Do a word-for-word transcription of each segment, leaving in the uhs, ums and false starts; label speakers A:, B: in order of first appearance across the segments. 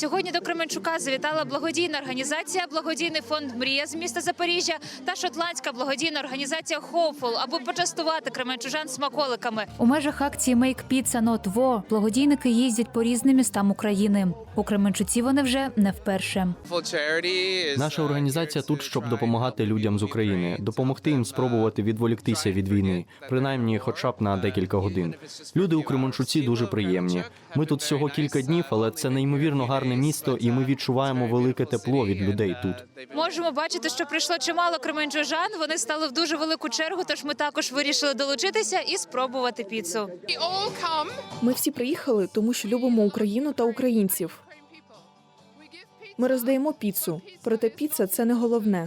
A: Сьогодні до Кременчука завітала благодійна організація «Благодійний фонд Мрія» з міста Запоріжжя та шотландська благодійна організація «Hopeful», аби почастувати кременчужан смаколиками. У межах акції «Make Pizza Not War» благодійники їздять по різним містам України. У Кременчуці вони вже не вперше.
B: Наша організація тут, щоб допомагати людям з України, допомогти їм спробувати відволіктися від війни, принаймні хоча б на декілька годин. Люди у Кременчуці дуже приємні. Ми тут всього кілька днів, але це неймовірно гарне місто, і ми відчуваємо велике тепло від людей тут.
A: Можемо бачити, що прийшло чимало кременчужан. Вони стали в дуже велику чергу, тож ми також вирішили долучитися і спробувати піцу.
C: Ми всі приїхали, тому що любимо Україну та українців. Ми роздаємо піцу, проте піца – це не головне.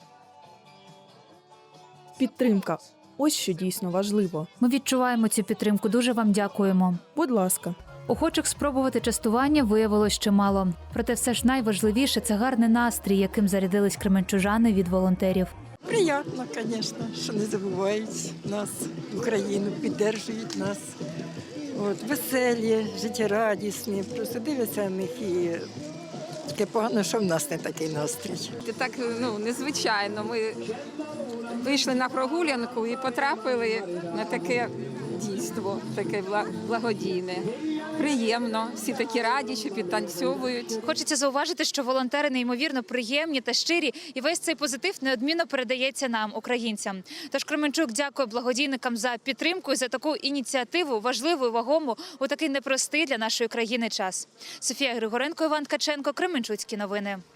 C: Підтримка – ось що дійсно важливо.
A: Ми відчуваємо цю підтримку, дуже вам дякуємо.
C: Будь ласка.
A: Охочих спробувати частування виявилось чимало. Проте все ж найважливіше – це гарний настрій, яким зарядились кременчужани від волонтерів.
D: Приємно, звісно, що не забувають нас, Україну, підтримують нас. От, веселі, життєрадісні, просто дивляться на них і таке погано, що в нас не такий настрій.
E: Це так, ну, незвичайно. Ми вийшли на прогулянку і потрапили на таке дійство, таке благодійне. Приємно, всі такі раді, що підтанцьовують.
A: Хочеться зауважити, що волонтери неймовірно приємні та щирі, і весь цей позитив неодмінно передається нам, українцям. Тож Кременчук дякує благодійникам за підтримку і за таку ініціативу, важливу і вагому у такий непростий для нашої країни час. Софія Григоренко, Іван Ткаченко, Кременчуцькі новини.